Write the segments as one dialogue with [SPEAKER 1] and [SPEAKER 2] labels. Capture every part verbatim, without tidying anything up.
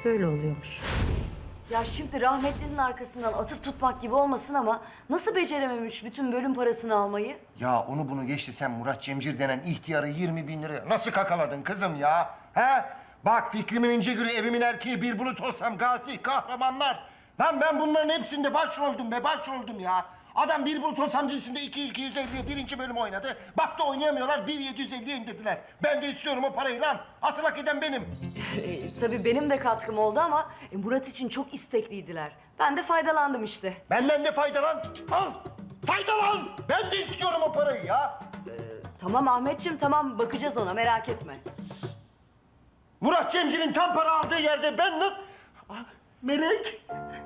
[SPEAKER 1] böyle oluyormuş.
[SPEAKER 2] Ya şimdi rahmetlinin arkasından atıp tutmak gibi olmasın ama nasıl becerememiş bütün bölüm parasını almayı?
[SPEAKER 3] Ya onu bunu geçti, sen Murat Cemcir denen ihtiyarı yirmi bin liraya nasıl kakaladın kızım ya? He? Bak Fikrimin ince gülü, evimin erkeği, bir bulut olsam gazi, kahramanlar. Lan ben bunların hepsinde başroldüm be, başroldüm ya. Adam bir bulut olsam dizisinde iki iki yüz elliye birinci bölüm oynadı. Baktı oynayamıyorlar, bir yedi yüz elliye indirdiler. Ben de istiyorum o parayı lan. Asıl hak eden benim.
[SPEAKER 2] E, tabii benim de katkım oldu ama e, Murat için çok istekliydiler. Ben de faydalandım işte.
[SPEAKER 3] Benden de faydalan. Al. Faydalan. Ben de istiyorum o parayı ya.
[SPEAKER 2] Tamam Ahmetciğim tamam bakacağız ona merak etme.
[SPEAKER 3] Murat Cemcir'in tam para aldığı yerde ben nasıl... Ah, Melek.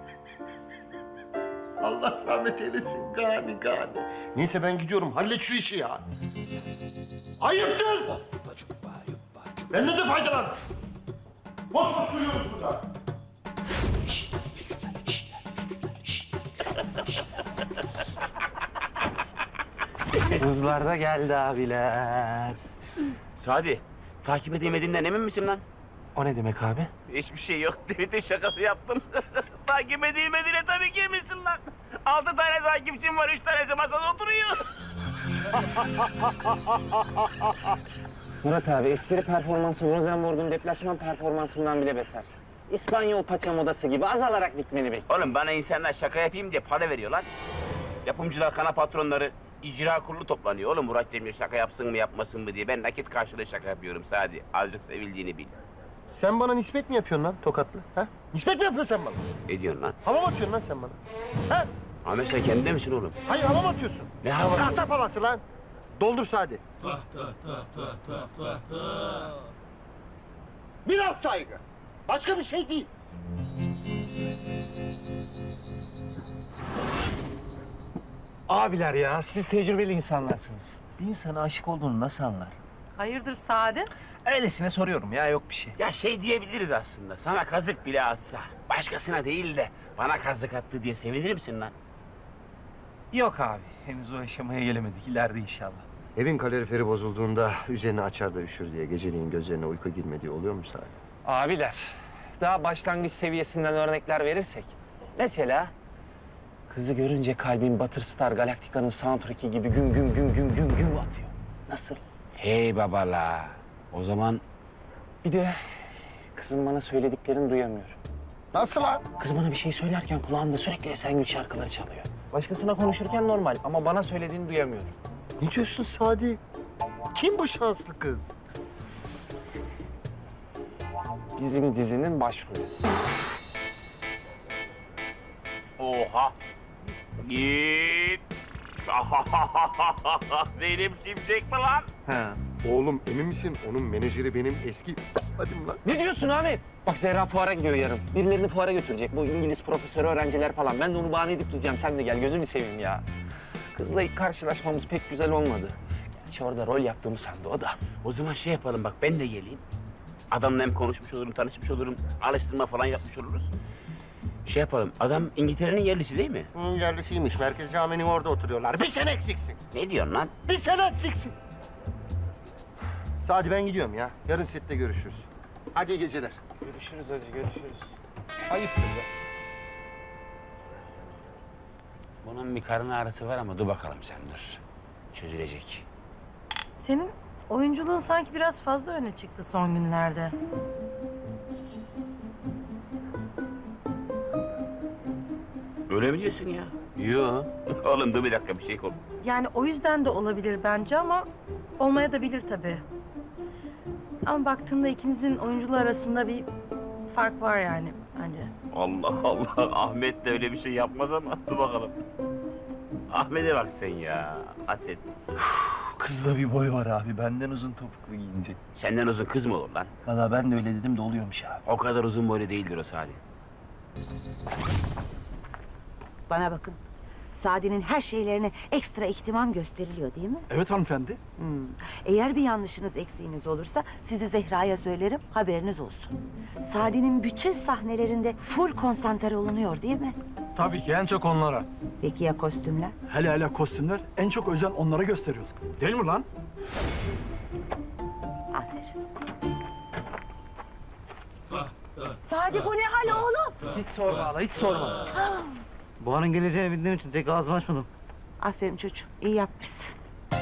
[SPEAKER 3] Allah rahmet eylesin. Gani gani. Neyse ben gidiyorum. Hallet şu işi ya. Ayıptır. Benden de faydalan. Boş boş uyuyoruz burada.
[SPEAKER 4] Kızlar da geldi abiler.
[SPEAKER 5] Sadi, takip edemediğinden emin misin lan?
[SPEAKER 4] O ne demek abi?
[SPEAKER 5] Hiçbir şey yok. Tweet'in şakası yaptım. takip edemediğine tabii ki eminsin lan. Altı tane takipçim var, üç tanesi masada oturuyor.
[SPEAKER 4] Murat abi espri performansı Rosenborg'un deplasman performansından bile beter. İspanyol paça modası gibi azalarak bitmeni bekliyor.
[SPEAKER 5] Oğlum bana insanlar şaka yapayım diye para veriyor lan. Yapımcılar, kana patronları, icra kurulu toplanıyor. Oğlum Murat Cemil şaka yapsın mı yapmasın mı diye. Ben nakit karşılığı şaka yapıyorum Sadi. Azıcık sevildiğini bil.
[SPEAKER 3] Sen bana nispet mi yapıyorsun lan tokatlı? Ha? Nispet mi yapıyorsun sen bana?
[SPEAKER 5] Ediyorsun lan.
[SPEAKER 3] Hava mı atıyorsun lan sen bana? Ha?
[SPEAKER 5] Ahmet sen kendinde misin oğlum?
[SPEAKER 3] Hayır, hava mı atıyorsun?
[SPEAKER 5] Ne havası?
[SPEAKER 3] Kasap havası lan. Doldur Sadi. Biraz saygı. Başka bir şey değil.
[SPEAKER 4] Abiler ya siz tecrübeli insanlarsınız. Bir insana aşık olduğunu nasıl anlar?
[SPEAKER 6] Hayırdır Sade?
[SPEAKER 4] Öylesine soruyorum ya yok bir şey.
[SPEAKER 5] Ya şey diyebiliriz aslında. Sana kazık bile atsa, başkasına değil de bana kazık attı diye sevinir misin lan?
[SPEAKER 4] Yok abi henüz o aşamaya gelemedik ileride inşallah.
[SPEAKER 3] Evin kaloriferi bozulduğunda üzerine açar da üşür diye geceliğin gözlerine uyku girmediği oluyor mu Sadi?
[SPEAKER 4] Abiler daha başlangıç seviyesinden örnekler verirsek. Mesela kızı görünce kalbin Battlestar Galactica'nın soundtrack'i gibi güm güm güm güm güm güm atıyor. Nasıl?
[SPEAKER 5] Hey babala. O zaman
[SPEAKER 4] Bir de kızın bana söylediklerini duyamıyorum.
[SPEAKER 3] Nasıl lan?
[SPEAKER 4] Kız bana bir şey söylerken kulağımda sürekli Esengül şarkıları çalıyor. Başkasına konuşurken normal ama bana söylediğini duyamıyorum.
[SPEAKER 3] Ne diyorsun Sadi? Kim bu şanslı kız?
[SPEAKER 4] Bizim dizinin başrolü.
[SPEAKER 5] oha. Git. Zeynep Şimşek mi lan?
[SPEAKER 4] Ha.
[SPEAKER 3] Oğlum emin misin? Onun menajeri benim eski... Hadi mi lan?
[SPEAKER 4] Ne diyorsun Ahmet? Bak Zehra fuara gidiyor yarın. Birilerini fuara götürecek. Bu İngiliz profesörü öğrenciler falan. Ben de onu bahane edip duracağım. Sen de gel gözünü seveyim ya. Kızla ilk karşılaşmamız pek güzel olmadı. Gerçi orada rol yaptığımı sandı o da.
[SPEAKER 5] O zaman şey yapalım bak ben de geleyim. Adamla hem konuşmuş olurum, tanışmış olurum. Alıştırma falan yapmış oluruz. Şey yapalım, adam İngiltere'nin yerlisi değil mi?
[SPEAKER 3] Hı, yerlisiymiş. Merkez Camii'nin orada oturuyorlar. Bir sene eksiksin.
[SPEAKER 5] Ne diyorsun lan?
[SPEAKER 3] Bir sene eksiksin. Sadi ben gidiyorum ya. Yarın sette görüşürüz. Hadi iyi geceler.
[SPEAKER 4] Görüşürüz hacı, görüşürüz.
[SPEAKER 3] Ayıptır ya.
[SPEAKER 5] Bunun bir karın ağrısı var ama dur bakalım sen dur. Çözülecek.
[SPEAKER 6] Senin oyunculuğun sanki biraz fazla öne çıktı son günlerde.
[SPEAKER 5] Öyle mi diyorsun ya?
[SPEAKER 4] Yo.
[SPEAKER 5] Oğlum dur bir dakika bir şey kol.
[SPEAKER 6] Yani o yüzden de olabilir bence ama olmaya da bilir tabii. Ama baktığında ikinizin oyunculuğu arasında bir fark var yani bence.
[SPEAKER 5] Allah Allah, Ahmet de öyle bir şey yapmaz ama dur bakalım. Ahmet'e bak sen ya, haset.
[SPEAKER 4] Kızda bir boy var abi. Benden uzun topuklu giyince.
[SPEAKER 5] Senden uzun kız mı olur lan?
[SPEAKER 4] Valla ben de öyle dedim de oluyormuş abi.
[SPEAKER 5] O kadar uzun boylu değildir o Sadi.
[SPEAKER 7] Bana bakın. Sadi'nin her şeylerine ekstra ihtimam gösteriliyor değil mi?
[SPEAKER 8] Evet hanımefendi.
[SPEAKER 7] Eğer bir yanlışınız, eksiğiniz olursa sizi Zehra'ya söylerim, haberiniz olsun. Sadi'nin bütün sahnelerinde full konsantre olunuyor değil mi?
[SPEAKER 4] Tabii ki en çok onlara.
[SPEAKER 7] Peki ya kostümler?
[SPEAKER 8] Hele hele kostümler en çok özen onlara gösteriyoruz. Değil mi lan?
[SPEAKER 7] Aferin. Sadi bu ne hal oğlum?
[SPEAKER 8] Hiç sorma hala, hiç sorma. Buhar'ın geleceğini bildiğim için tek ağzımı açmadım.
[SPEAKER 7] Aferin çocuğum, iyi yapmışsın.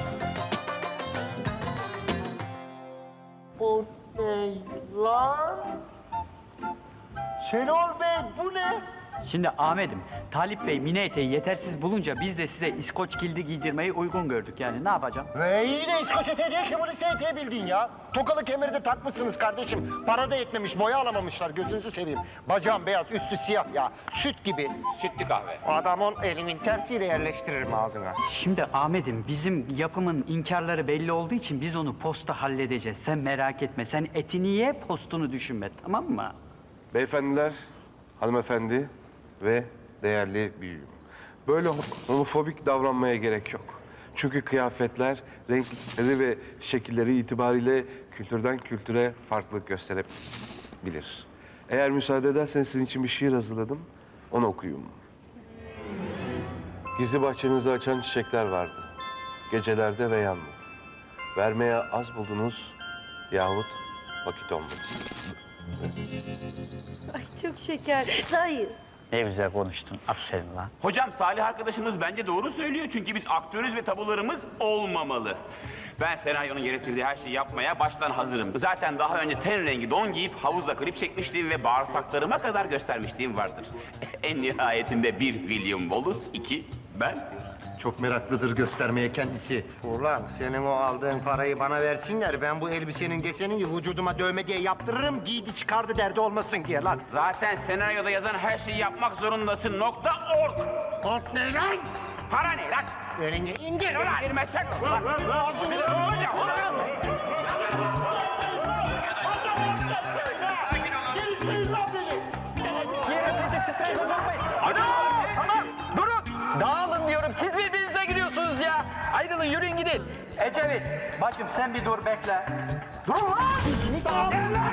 [SPEAKER 3] Bu ne lan? Şenol Bey bu ne?
[SPEAKER 8] Şimdi Ahmet'im, Talip Bey mini eteği yetersiz bulunca biz de size İskoç kildi giydirmeyi uygun gördük yani. Ne yapacağım?
[SPEAKER 3] Ve iyi de İskoç eteği değil ki bu lise eteği bildiğin ya. Tokalı kemeri de takmışsınız kardeşim. Para da yetmemiş, boya alamamışlar. Gözünüzü seveyim. Bacağım beyaz, üstü siyah ya. Süt gibi.
[SPEAKER 5] Sütlü kahve.
[SPEAKER 3] Adamın elimin tersiyle yerleştiririm ağzına.
[SPEAKER 8] Şimdi Ahmet'im, bizim yapımın inkarları belli olduğu için biz onu posta halledeceğiz. Sen merak etme. Sen etini ye, postunu düşünme, tamam mı?
[SPEAKER 9] Beyefendiler, hanımefendi ve değerli büyüğüm. Böyle homofobik davranmaya gerek yok. Çünkü kıyafetler, renkleri ve şekilleri itibariyle kültürden kültüre farklılık gösterebilir. Eğer müsaade ederseniz sizin için bir şiir hazırladım. Onu okuyayım. Gizli bahçenizi açan çiçekler vardı. Gecelerde ve yalnız. Vermeye az buldunuz yahut vakit olmadı.
[SPEAKER 6] Ay çok şeker. Hayır.
[SPEAKER 8] Ne güzel konuştun. Aferin lan.
[SPEAKER 5] Hocam Salih arkadaşımız bence doğru söylüyor. Çünkü biz aktörüz ve tabularımız olmamalı. Ben senaryonun gerektirdiği her şeyi yapmaya baştan hazırım. Zaten daha önce ten rengi don giyip havuzda klip çekmişliğim ve bağırsaklarıma kadar göstermişliğim vardır. En nihayetinde bir William Wallace, iki ben.
[SPEAKER 3] Çok meraklıdır göstermeye kendisi. Ulan senin o aldığın parayı bana versinler. Ben bu elbisenin desenini vücuduma dövme diye yaptırırım. Giydi çıkardı derdi olmasın diye lan.
[SPEAKER 5] Zaten senaryoda yazan her şeyi yapmak zorundasın. Nokta org.
[SPEAKER 3] Ork ne lan?
[SPEAKER 5] Para ne lan?
[SPEAKER 3] Elini indir ulan.
[SPEAKER 5] İndirmezsen ulan. Ne olacak ulan?
[SPEAKER 8] Tamam, durun. Dağılın diyorum. Siz birbirinize giriyorsunuz ya. Ayrılın, yürüyün gidin. Ecevit, bacım sen bir dur bekle. Durun lan.
[SPEAKER 3] Seni dağılın lan.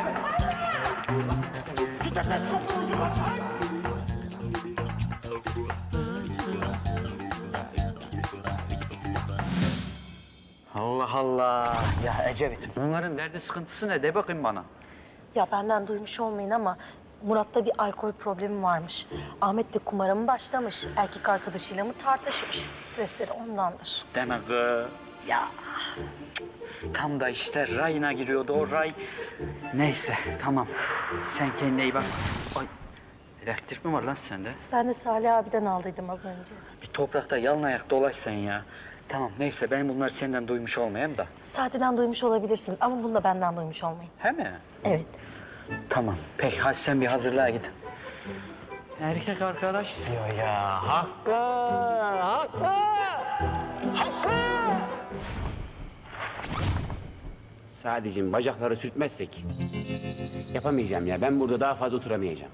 [SPEAKER 8] Allah Allah. Ya Ecevit, bunların derdi sıkıntısı ne? De bakayım bana.
[SPEAKER 6] Ya benden duymuş olmayın ama Murat'ta bir alkol problemi varmış. Ahmet de kumara mı başlamış, erkek arkadaşıyla mı tartışmış. Stresleri ondandır.
[SPEAKER 8] Demek ki... Ya tam da işte rayına giriyordu o ray. Neyse tamam. Sen kendine iyi bak. Ay, elektrik mi var lan sende?
[SPEAKER 6] Ben de Salih abiden aldıydım az önce.
[SPEAKER 8] Bir toprakta yalın ayak dolaş sen ya. Tamam neyse ben bunları senden duymuş olmayayım da.
[SPEAKER 6] Saatiden duymuş olabilirsiniz ama bunu da benden duymuş olmayın.
[SPEAKER 8] He mi?
[SPEAKER 6] Evet.
[SPEAKER 8] Tamam. Peki hadi sen bir hazırlığa git. Erkek arkadaş diyor ya. Hakkı! Hakkı! Hakkı!
[SPEAKER 5] Sadece bacakları sürtmezsek yapamayacağım ya. Ben burada daha fazla oturamayacağım.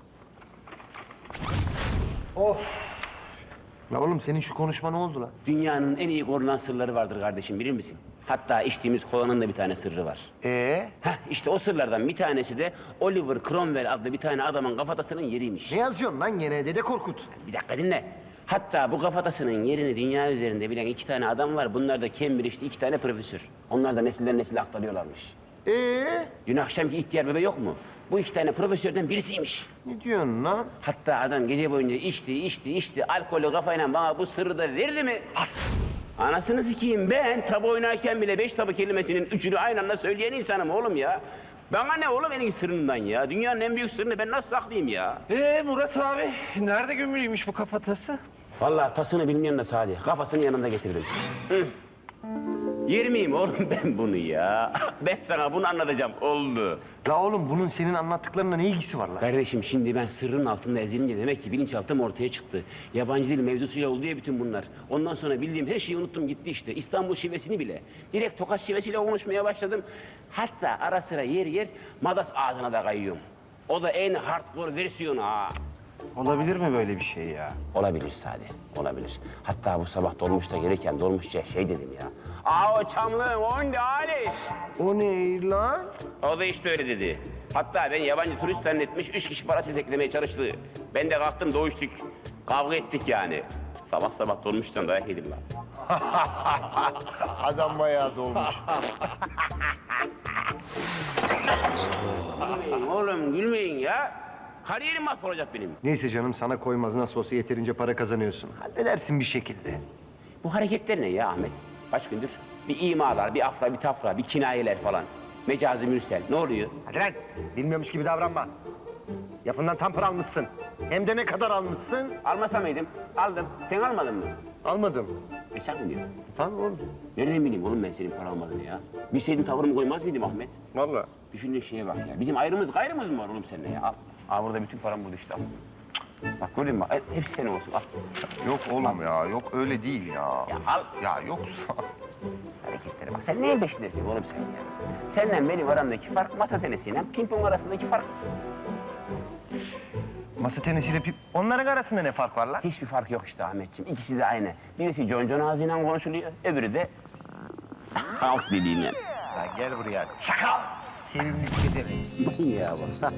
[SPEAKER 3] La oğlum senin şu konuşma ne oldu lan?
[SPEAKER 5] Dünyanın en iyi korunan sırları vardır kardeşim, bilir misin? Hatta içtiğimiz kolanın da bir tane sırrı var.
[SPEAKER 3] Ee?
[SPEAKER 5] Heh, işte o sırlardan bir tanesi de Oliver Cromwell adlı bir tane adamın kafatasının yeriymiş.
[SPEAKER 3] Ne yazıyorsun lan gene Dede Korkut?
[SPEAKER 5] Bir dakika dinle. Hatta bu kafatasının yerini dünya üzerinde bilen iki tane adam var. Bunlar da Cambridge'de iki tane profesör. Onlar da nesilden nesile aktarıyorlarmış.
[SPEAKER 3] Ee?
[SPEAKER 5] Dün akşamki ihtiyar bebe yok mu? Bu iki tane profesörden birisiymiş.
[SPEAKER 3] Ne diyorsun lan?
[SPEAKER 5] Hatta adam gece boyunca içti, içti, içti. Alkolü kafayla bana bu sırrı da verdi mi? As. Anasını sikeyim, ben tabu oynarken bile beş tabu kelimesinin üçünü aynı anda söyleyen insanım oğlum ya. Bana ne oğlum en sırrından ya? Dünyanın en büyük sırrını ben nasıl saklayayım ya?
[SPEAKER 4] Ee Murat abi, nerede gömülüymüş bu kafatası?
[SPEAKER 5] Vallahi tasını bilmeyen de Sadi. Kafasını yanında getirdim. Hı. Yer miyim oğlum ben bunu ya? Ben sana bunu anlatacağım. Oldu.
[SPEAKER 3] La oğlum bunun senin anlattıklarına ne ilgisi var lan?
[SPEAKER 5] Kardeşim şimdi ben sırrın altında ezilince demek ki bilinçaltım ortaya çıktı. Yabancı dil mevzusuyla oldu ya bütün bunlar. Ondan sonra bildiğim her şeyi unuttum gitti işte. İstanbul şivesini bile. Direkt Tokat şivesiyle konuşmaya başladım. Hatta ara sıra yer yer Madas ağzına da kayıyorum. O da en hardcore versiyonu ha.
[SPEAKER 8] Olabilir mi böyle bir şey ya?
[SPEAKER 5] Olabilir Sadi, olabilir. Hatta bu sabah dolmuşta gelirken dolmuşça şey dedim ya. Aa o çamlığın onde Aliş.
[SPEAKER 3] O ne lan?
[SPEAKER 5] O da işte öyle dedi. Hatta ben yabancı turist zannetmiş, üç kişi parası teklemeye çalıştı. Ben de kalktım doğuştuk. Kavga ettik yani. Sabah sabah dolmuştan dayak yedim lan.
[SPEAKER 3] Adam bayağı dolmuş.
[SPEAKER 5] Gülmeyin oğlum, gülmeyin ya. Kariyerim mahvolacak benim.
[SPEAKER 3] Neyse canım sana koymaz. Nasıl olsa yeterince para kazanıyorsun. Halledersin bir şekilde.
[SPEAKER 5] Bu hareketler ne ya Ahmet? Kaç gündür? Bir imalar, bir afra, bir tafra, bir kinayeler falan. Mecazi mürsel. Ne oluyor?
[SPEAKER 3] Hadi lan. Bilmiyormuş gibi davranma. Yapından tam para almışsın. Hem de ne kadar almışsın?
[SPEAKER 5] Almasa mıydım? Aldım. Sen almadın mı?
[SPEAKER 3] Almadım.
[SPEAKER 5] E sen mi diyorsun?
[SPEAKER 3] Tabii oğlum.
[SPEAKER 5] Nereden bileyim oğlum ben senin para almadığını ya? Bilseydim tavırımı koymaz mıydım Ahmet?
[SPEAKER 3] Vallahi.
[SPEAKER 5] Düşündüğün şeye bak ya. Bizim ayrımız gayrımız mı var oğlum seninle ya? Al. Al burada bütün param burada işte al. Bak gördün mü? Bak, hepsi senin olsun al.
[SPEAKER 3] Yok oğlum ya. Yok öyle değil ya.
[SPEAKER 5] Ya al.
[SPEAKER 3] Ya yoksa.
[SPEAKER 5] Hareketlere bak. Sen neyin peşindesin oğlum sen ya? Seninle benim aramdaki fark masa tenisiyle pimpon arasındaki fark.
[SPEAKER 3] Masa tenisiyle pip... Onların arasında ne fark var lan?
[SPEAKER 5] Hiçbir fark yok işte Ahmetciğim. İkisi de aynı. Birisi John John ağzıyla konuşuluyor, öbürü de halk diliyle.
[SPEAKER 3] Lan gel buraya. Çakal! Sevimli gezerim.
[SPEAKER 5] ya bak.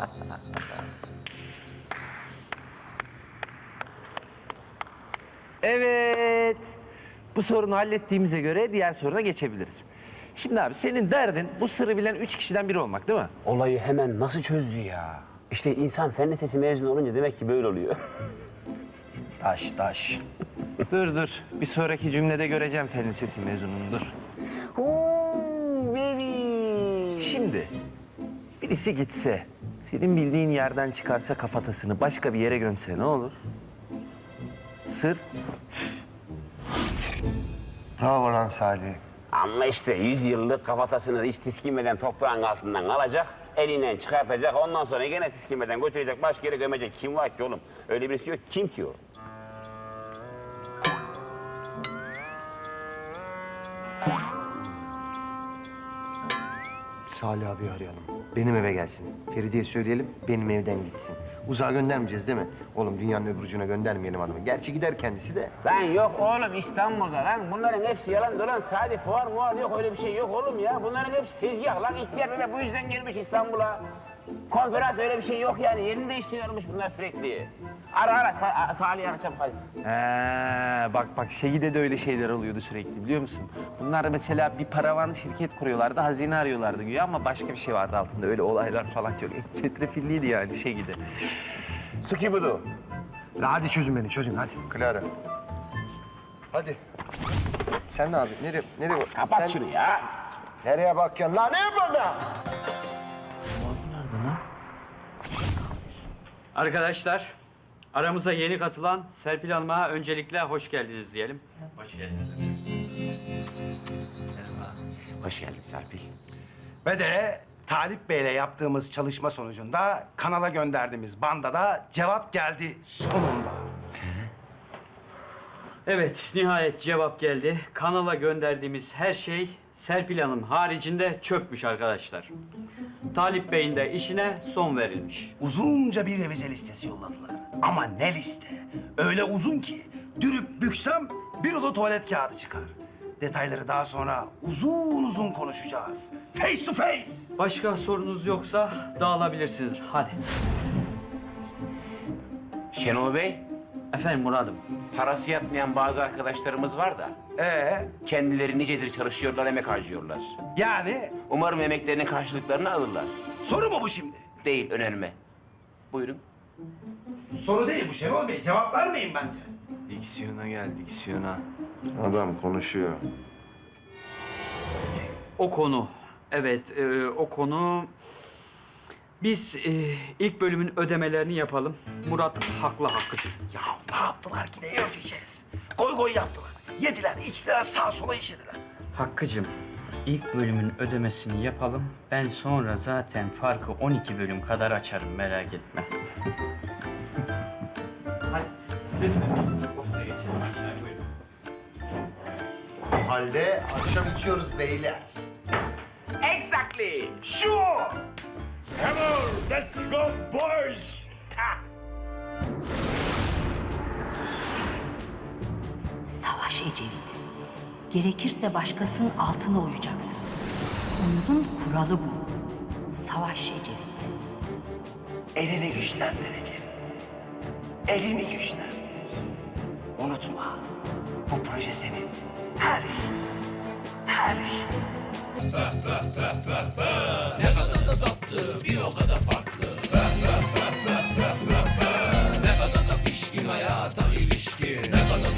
[SPEAKER 4] Evet. Bu sorunu hallettiğimize göre diğer soruna geçebiliriz. Şimdi abi senin derdin bu sırrı bilen üç kişiden biri olmak değil mi?
[SPEAKER 5] Olayı hemen nasıl çözdü ya? İşte insan fen lisesi mezunu olunca demek ki böyle oluyor.
[SPEAKER 3] Taş taş.
[SPEAKER 4] Dur dur. Bir sonraki cümlede göreceğim fen lisesi mezununu dur. Şimdi birisi gitse, senin bildiğin yerden çıkarsa kafatasını başka bir yere gömse ne olur? Sır.
[SPEAKER 3] Bravo lan Salih.
[SPEAKER 5] Ama işte yüz yıllık kafatasını hiç tiskinmeden toprağın altından alacak, elinden çıkartacak, ondan sonra gene tiskinmeden götürecek, başka yere gömecek. Kim var ki oğlum? Öyle birisi yok. Kim ki o?
[SPEAKER 3] Salih abi arayalım. Benim eve gelsin. Feride'ye söyleyelim, benim evden gitsin. Uzağa göndermeyeceğiz değil mi? Oğlum dünyanın öbür ucuna göndermeyelim adamı. Gerçi gider kendisi de.
[SPEAKER 5] Lan yok oğlum İstanbul'da lan. Bunların hepsi yalan dolan. Sadi fuar muar yok, öyle bir şey yok oğlum ya. Bunların hepsi tezgah lan. İhtiyar bebe bu yüzden gelmiş İstanbul'a. Konferans öyle bir şey yok yani. Yerini değiştiriyormuş bunlar sürekli. Ara ara Sa Salih'i ara çabuk hadi.
[SPEAKER 4] He, bak bak şeyde de öyle şeyler oluyordu sürekli biliyor musun? Bunlar mesela bir paravan şirket kuruyorlardı, hazine arıyorlardı güya ama başka bir şey vardı altında. Öyle olaylar falan çok çetrefilliydi yani şey gibi.
[SPEAKER 3] Sıkı budu. La hadi çözün beni, çözün hadi. Clara. Hadi. Sen ne abi? Nereye? Nereye?
[SPEAKER 5] Kapat
[SPEAKER 3] Sen...
[SPEAKER 5] şunu ya.
[SPEAKER 3] Nereye bakıyorsun lan? Ne yapıyorsun lan?
[SPEAKER 8] Arkadaşlar, aramıza yeni katılan Serpil Hanım'a öncelikle hoş geldiniz diyelim. Hoş geldiniz.
[SPEAKER 5] Hoş geldin Serpil.
[SPEAKER 10] Ve de Talip Bey'le yaptığımız çalışma sonucunda kanala gönderdiğimiz bandada cevap geldi sonunda.
[SPEAKER 8] Evet, nihayet cevap geldi. Kanala gönderdiğimiz her şey Serpil Hanım haricinde çökmüş arkadaşlar. Talip Bey'in de işine son verilmiş.
[SPEAKER 10] Uzunca bir revize listesi yolladılar. Ama ne liste? Öyle uzun ki dürüp büksem bir rulo tuvalet kağıdı çıkar. Detayları daha sonra uzun uzun konuşacağız. Face to face.
[SPEAKER 8] Başka sorunuz yoksa dağılabilirsiniz. Hadi.
[SPEAKER 5] Şenol Bey,
[SPEAKER 8] Efendim Murat'ım.
[SPEAKER 5] parası yatmayan bazı arkadaşlarımız var da
[SPEAKER 10] Ee,
[SPEAKER 5] kendileri nicedir çalışıyorlar, emek harcıyorlar.
[SPEAKER 10] yani
[SPEAKER 5] Umarım emeklerinin karşılıklarını alırlar.
[SPEAKER 10] soru mu bu şimdi?
[SPEAKER 5] Değil, önerme. Buyurun.
[SPEAKER 10] Soru değil bu Şenol Bey. Cevap vermeyin bence.
[SPEAKER 4] Diksiyona gel, diksiyona.
[SPEAKER 3] Adam konuşuyor.
[SPEAKER 8] O konu, evet e, o konu... Biz e, ilk bölümün ödemelerini yapalım. Murat haklı Hakkı'cığım.
[SPEAKER 10] Ya ne yaptılar ki? Neyi ödeyeceğiz? Goy goy yaptılar. Yediler, içtiler, sağa sola işediler.
[SPEAKER 8] Hakkı'cığım, ilk bölümün ödemesini yapalım. Ben sonra zaten farkı on iki bölüm kadar açarım, merak etme. Hadi, lütfen biz ofise geçelim aşağıya, buyurun.
[SPEAKER 3] O halde akşam içiyoruz beyler.
[SPEAKER 5] Exactly.
[SPEAKER 10] Sure.
[SPEAKER 5] Come on, let's go boys.
[SPEAKER 1] Savaş Ecevit. Gerekirse başkasının altına uyacaksın. Oyunun kuralı bu. Savaş Ecevit.
[SPEAKER 10] Elini güçlendir Ecevit. Elini güçlendir. Unutma, bu proje senin. Her şey, her şey
[SPEAKER 11] Ne kadar da tatlı, bir o kadar farklı. Ne kadar da pişkin hayata ilişkin.